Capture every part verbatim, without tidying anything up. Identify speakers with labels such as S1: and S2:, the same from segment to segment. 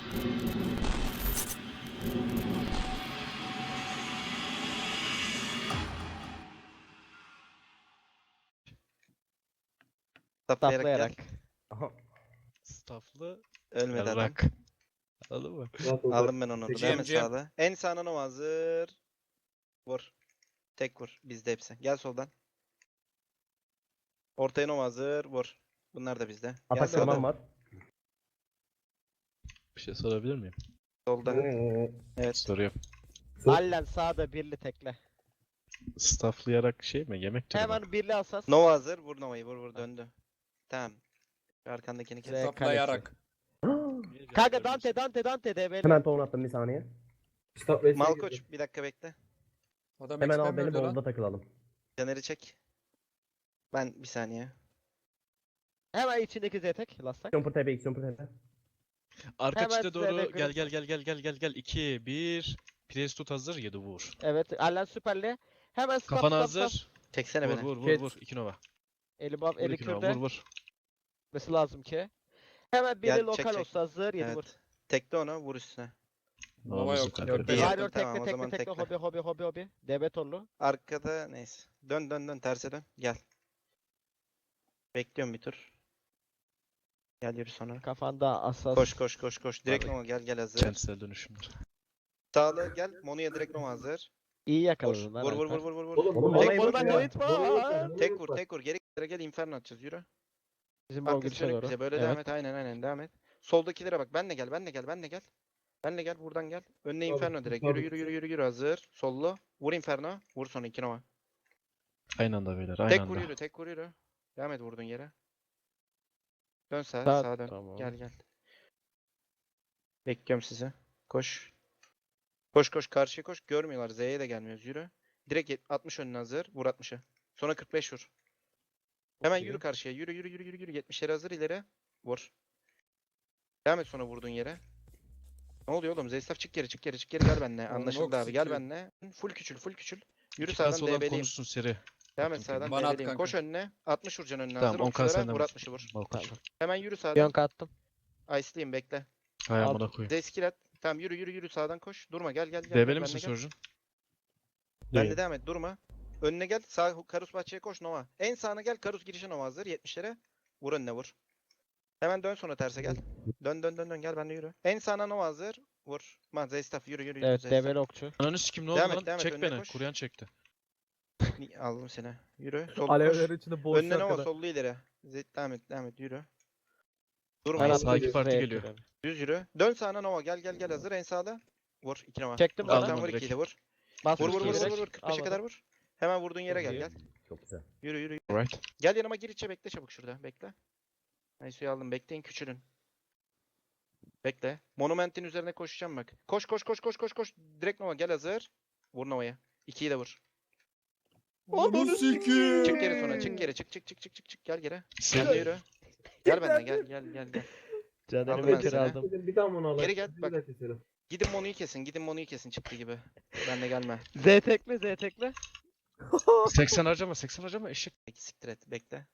S1: Saplayarak gel.
S2: Aha.
S3: Stafflı.
S1: Ölmedi adam.
S3: Yarrak. Anladın mı?
S1: Aldım ben onu.
S4: Peki,
S1: Devam et
S4: M C M.
S1: sağda. En sağına Nova hazır. Vur. Tek vur. Bizde hepsi. Gel soldan. Ortaya Nova hazır. Vur. Bunlar da bizde. Gel
S2: Atak
S1: sağda.
S2: kırmam var.
S3: Bir şey sorabilir miyim?
S1: Solda. Evet.
S3: Soruyorum.
S5: Allen sağda birli tekle.
S3: Stafflayarak şey mi? Yemek türü mü?
S5: Hemen birli asas.
S1: Nova hazır. Vur Nova'yı. Vur vur döndü. Tamam. Şu arkandakini kes.
S5: Zek.
S4: Saplayarak.
S5: Kanka Dante Dante Dante de böyle.
S2: Hemen ton attım bir saniye.
S1: Malkoç bir dakika bekle.
S4: Adam
S2: Hemen al
S4: X-Men
S2: beni
S4: öldü lan.
S2: bolda takılalım.
S1: Caner'i çek. Ben bir saniye.
S5: Hemen içindeki zetek. Lastak.
S2: Jumper T B X, Jumper T B.
S3: Arka
S5: Hemen
S3: çite doğru
S5: size de
S3: gel
S5: gör-
S3: gel gel gel gel gel gel. iki bir. Priest tut hazır yedi vur.
S5: Evet Allen süperli. Hemen stop
S3: Kafana
S5: stop stop.
S3: hazır.
S1: Çeksene
S3: Vur
S1: beni.
S3: vur vur
S2: Ket.
S3: vur. iki nova.
S5: Eli bab
S3: Vur
S5: eli
S3: iki nova.
S5: kürde.
S3: Vur vur.
S5: Mesela lazım ki. Hemen birli
S1: Gel, çek,
S5: lokal
S1: çek.
S5: olsa hazır yedi vur.
S1: Evet. Tekle onu. Vur üstüne.
S4: Nova
S3: Novamızı
S4: yok.
S3: kaldırdı.
S4: Yok,
S1: İyi.
S4: yok.
S5: Hayır
S1: Tamam,
S5: tekle
S1: o
S5: tekle
S1: zaman
S5: tekle
S1: tekle.
S5: hobi hobi hobi hobi. Debetorlu.
S1: Arkada neyse. Dön dön dön. Terse dön. Gel. Bekliyorum bir tur. Gel yürü sonra.
S5: Kafanda asas.
S1: Koş koş koş koş. Direkt
S3: Abi.
S1: Nova gel gel hazır.
S3: Kentsel dönüşümler.
S1: Sağlı gel. Monu'ya direkt Nova hazır.
S5: İyi
S1: Koş.
S5: yakaladın lan.
S1: Vur vur
S5: Alper.
S1: vur vur vur. vur.
S2: Oğlum,
S5: Oğlum
S2: Olayı
S5: buradan
S2: boş ver.
S5: kayıt var.
S1: Tek vur tek vur. Geri geri gel Inferno atacağız. Yürü.
S5: Bizim o
S1: Arkası
S5: girişe
S1: dönük
S5: doğru.
S1: bize. Böyle
S5: Evet.
S1: devam et. Aynen aynen devam et. Soldakilere bak. Ben de gel. Ben de gel. Ben de gel. Ben de gel. Buradan gel. Önüne Inferno direkt. Yürü yürü yürü yürü yürü hazır. Sollu. Vur Inferno. Vur sonra iki Nova.
S3: Aynı anda beyler. Aynı
S1: Tek
S3: anda.
S1: vur yürü. Tek vur yürü. Devam et vurduğun yere. Dön sağa.
S5: Sağ-
S1: Sağa dön.
S5: tamam.
S1: Gel gel. Bekliyorum sizi. Koş. Koş koş karşıya koş. Görmüyorlar. Z'ye de gelmiyoruz. Yürü. Direkt yet- altmış önüne hazır. Vur altmışı. Sonra kırk beş vur. Hemen
S3: Okey.
S1: yürü karşıya. Yürü yürü yürü yürü yürü. yetmişlere hazır ileri. Vur. Devam et sonra vurduğun yere. Ne oluyor oğlum? Zeystaf çık geri çık geri çık geri gel benimle.
S4: Oğlum,
S1: Anlaşıldı
S4: yok,
S1: abi. Gel
S4: sikiyor.
S1: benimle. Full küçül full küçül. Yürü
S3: İki pas
S1: sağdan
S3: olan
S1: D B'liyim.
S3: konuşsun seri.
S1: Devam et
S3: Okey.
S1: sağdan
S4: Bana at
S1: D B'liyim.
S4: kanka.
S1: Koş önüne. altmış vuracaksın önüne
S3: Tamam
S1: hazır.
S3: on k
S1: Okçulara
S3: senden
S1: vur
S3: vur.
S1: altmışı vur.
S3: Malkoç.
S1: Hemen yürü sağdan.
S5: Yonk attım.
S1: Ice'liyim bekle.
S3: Hay
S5: Al.
S3: amına koyayım.
S1: Z skill at. Tamam yürü yürü yürü sağdan koş. Durma gel gel gel.
S3: Debeli
S1: gel,
S3: misin
S1: benimle gel.
S3: Surgeon?
S1: Ben de devam et durma. Önüne gel. Sağ Karus bahçeye koş Nova. En sağına gel. Karus girişe Nova hazır. yetmişlere. Vur önüne vur. Hemen dön sonra terse gel. Dön dön dön dön gel benimle yürü. En sağına Nova hazır. Vur. Man Zeystaf yürü yürü yürü.
S5: Evet
S1: Zeystaf.
S5: debeli okçu.
S3: Ananı sikim ne oldu
S1: Devam et,
S3: lan?
S1: devam et,
S3: Çek
S1: önüne
S3: beni.
S1: koş.
S3: Kuryan çekti.
S1: Ni- Aldım seni. Yürü. Sol
S6: Alevler
S1: koş.
S6: içinde boğuşuyor
S1: Önüne Nova
S6: arkada.
S1: sollu ileri. Zeyt devam et devam et yürü. Durma.
S5: Ben
S3: Aa,
S1: yürü.
S3: sağ iki
S5: attım.
S3: parti
S5: Z'ye
S3: geliyor.
S5: küremi.
S1: Düz yürü. Dön sağına Nova gel gel gel hazır en sağda. Vur iki Nova.
S5: Çektim
S3: Aldım
S1: Uzaktan
S5: bana.
S3: onu
S1: vur
S3: direkt.
S1: ikiyi de vur.
S5: Bas
S1: Vur vur
S5: ikiyi
S1: vur vur
S5: direkt.
S1: vur. kırk beşe
S5: Almadım.
S1: kadar vur. Hemen vurduğun yere gel gel.
S2: Çok güzel.
S1: Yürü yürü.
S3: Alright.
S1: Gel yanıma gir içe bekle çabuk şurada. Bekle. Aysu'yu aldım. Bekleyin küçülün. Bekle. Monumentin üzerine koşacağım bak. Koş koş koş koş koş koş. Direkt Nova gel hazır. Vur Nova'ya. ikiyi de vur.
S4: Onu sikiyim.
S1: Çık geri sonra. Çık geri. Çık çık çık çık çık çık. Gel geri.
S3: Sen
S1: Gel de yürü. Gel benimle gel gel gel gel.
S5: Caner'i
S1: Aldım ben
S5: Bekir
S1: seni.
S5: aldım.
S6: Bir daha onu alalım.
S1: Geri gel bak. Gidin Monu'yu kesin. Gidin Monu'yu kesin çıktı gibi. Ben de gelme.
S5: Z tekle Z tekle.
S3: seksen harcama seksen harcama eşek.
S1: Peki siktir et. Bekle.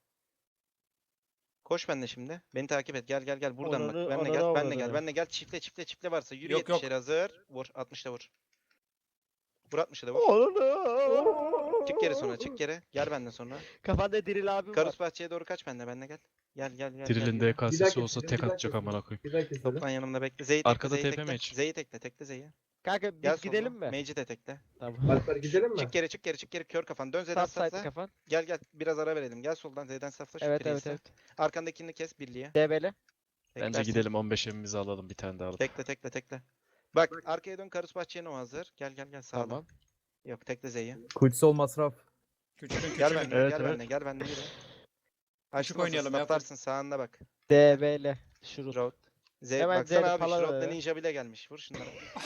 S1: Koş benimle şimdi. Beni takip et. Gel gel gel. Buradan
S5: Onunu-
S1: bak. Benle
S5: onunu
S1: gel. Benle gel.
S5: avradını.
S1: Benle gel. Çiftle çiftle çiftle varsa. Yürü
S4: Yok, yok.
S1: yetmişlere hazır. Vur. altmışta vur. Vur altmışa da vur.
S5: Oğlum.
S1: Çık geri sonra. Çık geri. Gel benden sonra.
S5: Kafanda diril abim var.
S1: Karus bahçeye doğru kaç benle. Benle gel. Gel gel gel.
S3: Drill'in
S1: gel, gel.
S3: D K S'si olsa tek atacak amına koyayım.
S6: Bir daha keselim.
S1: Toplan yanımda bekle. Z'yi tekle.
S3: Arkada
S1: Z'yi
S3: T P
S1: tekle.
S3: mi hiç?
S1: Z'yi tekle. Tekle Z'yi.
S5: Kanka biz
S1: Gel
S5: gidelim
S1: soluna.
S5: mi?
S1: Mage'i de tekle.
S5: Tamam.
S6: Alper gidelim mi?
S1: Çık geri çık geri çık geri. Kör kafan. Dön Z'den
S5: Saf side
S1: safla.
S5: kafan.
S1: Gel gel. Biraz ara verelim. Gel soldan Z'den safla. Şu
S5: Evet evet
S1: Priest'e.
S5: evet.
S1: Arkandakini kes birliğe.
S5: Debeli.
S3: Bence
S1: Teklersin.
S3: gidelim on beş evimizi alalım bir tane daha alıp.
S1: Tekle tekle tekle. Bak arkaya dön Karus bahçeye Nova hazır. Gel gel gel sağdan.
S5: Tamam.
S1: Yok tekle Z'yi.
S6: Kutsal masraf.
S4: Küçülün
S1: Gel
S4: küçülün.
S1: benimle
S3: Evet,
S1: gel
S3: evet.
S1: benimle gel benimle yürü. Açtım
S4: oynayalım ya,
S1: Atlarsın sağında bak.
S5: Debeli. Şurut.
S1: Road. Z
S5: Hemen
S1: baksana
S5: Z'li
S1: abi
S5: pala
S1: Shroud'da
S5: ver.
S1: ninja bile gelmiş. Vur şunları.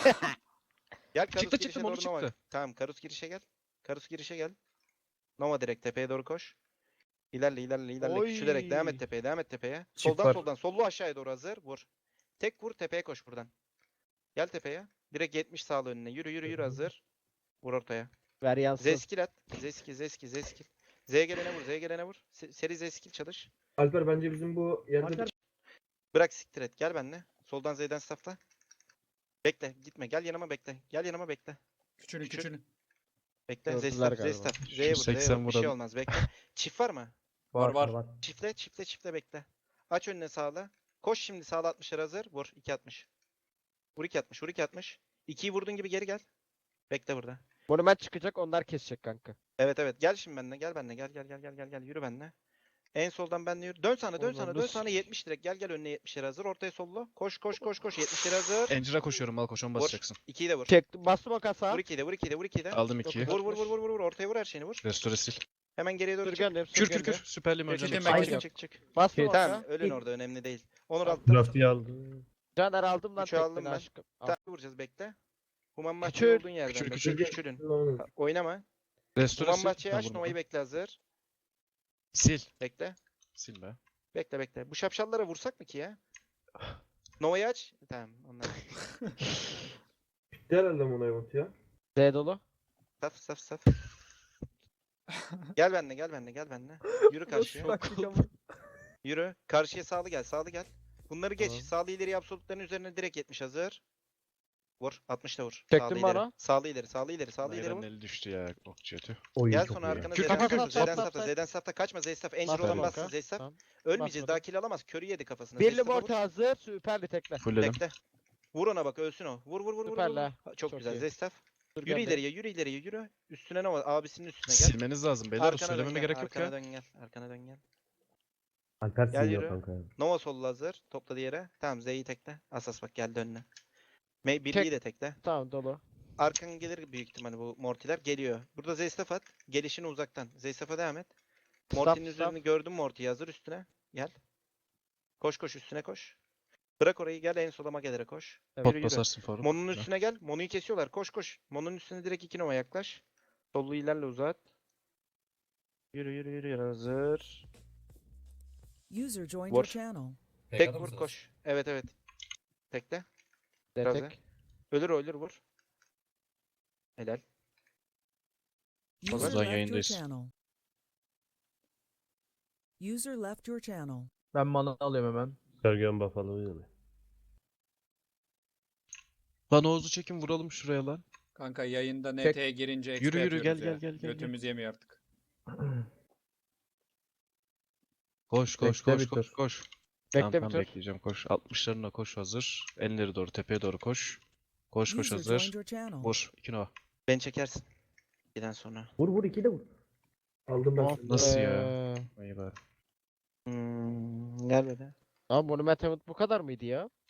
S1: Gel Karus
S3: Çıktı,
S1: girişe
S3: çıktı,
S1: doğru
S3: Moru
S1: Nova.
S3: çıktı.
S1: Tamam Karus girişe gel. Karus girişe gel. Nova direkt tepeye doğru koş. İlerle ilerle ilerle
S5: Oy.
S1: küçülerek devam et tepeye devam et tepeye.
S6: Çift
S1: Soldan
S6: var.
S1: soldan sollu aşağıya doğru hazır vur. Tek vur tepeye koş buradan. Gel tepeye. Direkt yetmiş sağlı önüne. Yürü yürü yürü hazır. Vur ortaya.
S5: Ver yansın.
S1: Zeskil at. Zeskil zeskil zeskil. Z gelene vur Z gelene vur. Se- Seri zeskil çalış.
S6: Alper bence bizim bu yerde
S1: Bırak siktir et. Gel benimle. Soldan Z'den staffla. Bekle gitme gel yanıma bekle. Gel yanıma bekle.
S4: Küçülün
S1: Küçül.
S4: küçülün.
S1: Bekle.
S5: Gördüler
S1: Zestaf
S5: galiba.
S1: Zestaf.
S3: Şu
S1: Z'ye vur Z'ye
S3: seksen
S1: vur. Bir şey
S3: vuralım.
S1: olmaz bekle. Çift var mı?
S4: Var, var.
S2: var.
S1: Çiftle çiftle çiftle bekle. Aç önüne sağla. Koş şimdi sağla altmışlar hazır. Vur iki altmış. Vur iki altmış. Vur iki altmış. ikiyi vurduğun gibi geri gel. Bekle burada.
S5: Monument çıkacak onlar kesecek kanka.
S1: Evet evet gel şimdi benimle gel benimle gel gel gel gel gel gel yürü benimle. En soldan benimle yürü. Dön sana dön
S5: Oğlum
S1: sana dön
S5: nasıl-
S1: sana yetmiş direkt gel gel önüne yetmişler hazır. Ortaya solla. Koş koş koş koş yetmişler hazır.
S3: Encir'e koşuyorum al koşan
S1: Vur.
S3: basacaksın.
S1: ikiyi de vur.
S5: Çektim bastım o kasa.
S1: Vur ikiyi de vur ikiyi de vur ikiyi de.
S3: Aldım ikiyi.
S1: Vur vur vur vur vur vur ortaya vur her şeyini vur.
S3: Restore sil.
S1: Hemen geriye doğru çık.
S5: Sürgen
S3: Kür kür
S5: sürgen
S3: kür. Süperlim
S1: Çık
S3: hocam.
S1: çık
S4: Çektim,
S1: çık
S4: ben
S1: çık çık çık.
S5: Bastım
S2: Şey,
S5: o
S1: Tamam
S5: kasa.
S1: ölün orada önemli değil. Onur altta.
S2: Draft'ı aldım.
S5: Caner aldım lan
S1: Üçü aldım
S5: tekmeni
S1: ben.
S5: aşkım. Al.
S1: Tamam vuracağız bekle. Human bahçe
S5: Küçül.
S1: olduğun yerden.
S3: Küçül,
S1: bak,
S3: küçül.
S1: Küçülün. Oynama.
S3: Restore
S1: Human
S3: sil.
S1: bahçeyi
S3: Ha,
S1: aç
S3: vurma.
S1: Nova'yı bekle hazır.
S3: Sil.
S1: Bekle.
S3: Sil be.
S1: Bekle bekle. Bu şapşallara vursak mı ki ya? Nova'yı aç. Tamam onlar.
S2: Bitti herhalde Mono Event ya.
S5: Z dolu.
S1: Saf saf saf. Gel benimle gel benimle gel benimle. Yürü karşıya. Yürü. Karşıya sağlı gel sağlı gel. Bunları geç.
S3: Tamam.
S1: Sağlı ileri absolutların üzerine direkt yetmiş hazır. Vur. altmış da vur.
S5: Çektim
S1: sağlı
S5: bana.
S1: ileri. Sağlı ileri. Sağlı ileri. Sağlı ileri
S3: Nayran'ın
S1: vur.
S3: eli düştü ya okçu ötü.
S2: Oyun
S1: Gel
S2: çok
S1: sonra
S2: iyi ya.
S1: arkana
S3: Kür,
S1: Z'den
S3: kür, kür,
S1: safta.
S5: kür,
S1: Z'den
S5: kür.
S1: safta. Z'den safta. Kaçma. Z staff. Angel
S5: Basmadım
S1: olan
S5: kanka.
S1: bassın. Z staff.
S5: Tamam.
S1: Ölmeyeceğiz.
S5: Basmadım.
S1: Daha kill alamaz. Körü yedi kafasına. Z
S5: Birli
S1: staff'a vur.
S5: morta hazır. Süperli tekle.
S3: Fullledim.
S1: Bekle. Vur ona bak ölsün o. Vur vur vur vur. vur,
S5: Süper
S1: vur.
S5: la.
S1: Ha, Çok,
S5: Çok
S1: güzel.
S5: iyi.
S1: Zestaf. Yürü
S5: Sürgen
S1: ileriye, yürü ileriye, yürü. Üstüne ne var? Abisinin üstüne gel.
S3: Silmeniz lazım beyler. O
S1: Arkana dön
S3: söylememe
S1: gel,
S3: gerek yok
S1: arkana
S3: ya.
S1: dön gel. Arkana dön gel.
S2: Alper
S1: Gel
S2: siliyor
S1: yürü.
S2: kanka.
S1: Nova sollu hazır. Topla diğere. Tamam Z'yi tekle. Asas bak geldi önüne. May
S5: Tek-
S1: birliği de tekle.
S5: Tamam dolu.
S1: Arkan gelir büyük ihtimalle bu Mortiler. Geliyor. Burada Zestaf at. Gelişini uzaktan. Zestaf'a devam et. Morty'nin
S5: Staff,
S1: üzerini gördün mü Morty'yi hazır üstüne. Gel. Koş koş üstüne koş. Bırak orayı gel en sola magelere koş.
S5: Evet.
S1: Yürü
S3: Pot
S1: yürü.
S3: basarsın Faruk.
S1: Mono'nun
S3: Güzel.
S1: üstüne gel. Mono'yu kesiyorlar. Koş koş. Mono'nun üstüne direkt iki Nova yaklaş. Sollu ilerle uzat. Yürü yürü yürü yürü. Hazır.
S6: User joined
S1: Vur.
S6: your channel.
S1: Tek vur koş. Evet evet. Tekle. Biraz
S5: Detek.
S1: Ölür ölür vur. Helal.
S6: User
S3: Ozan
S6: left your
S3: yayındayız.
S6: channel. User left your channel.
S7: Ben mana alıyorum hemen.
S2: Sergen Buffalo yani.
S3: Lan Oğuz'u çekin vuralım şuraya lan.
S4: Kanka yayında
S5: Tek-
S4: N T'ye girince exp
S3: Yürü, yürü,
S4: yapıyoruz
S3: gel,
S4: ya.
S3: gel, gel, gel, gel.
S4: Götümüz yemiyor artık.
S3: Koş koş
S7: Bekle
S3: koş
S7: bir
S3: koş
S7: tur.
S3: koş.
S5: Bekle
S3: Tamam
S5: bir
S3: tamam
S5: tur.
S3: bekleyeceğim koş. altmışlarına koş hazır. Enleri doğru tepeye doğru koş. Koş koş
S6: User
S3: hazır.
S6: joined your channel.
S3: Vur. İki nova.
S1: Ben çekersin. Giden sonra.
S2: Vur vur iki de vur. Aldım ben. seni.
S3: Nasıl ya?
S5: Ee,
S3: İyi bari.
S1: Hmm, gel böyle.
S5: Ama Monument Event bu kadar mıydı ya?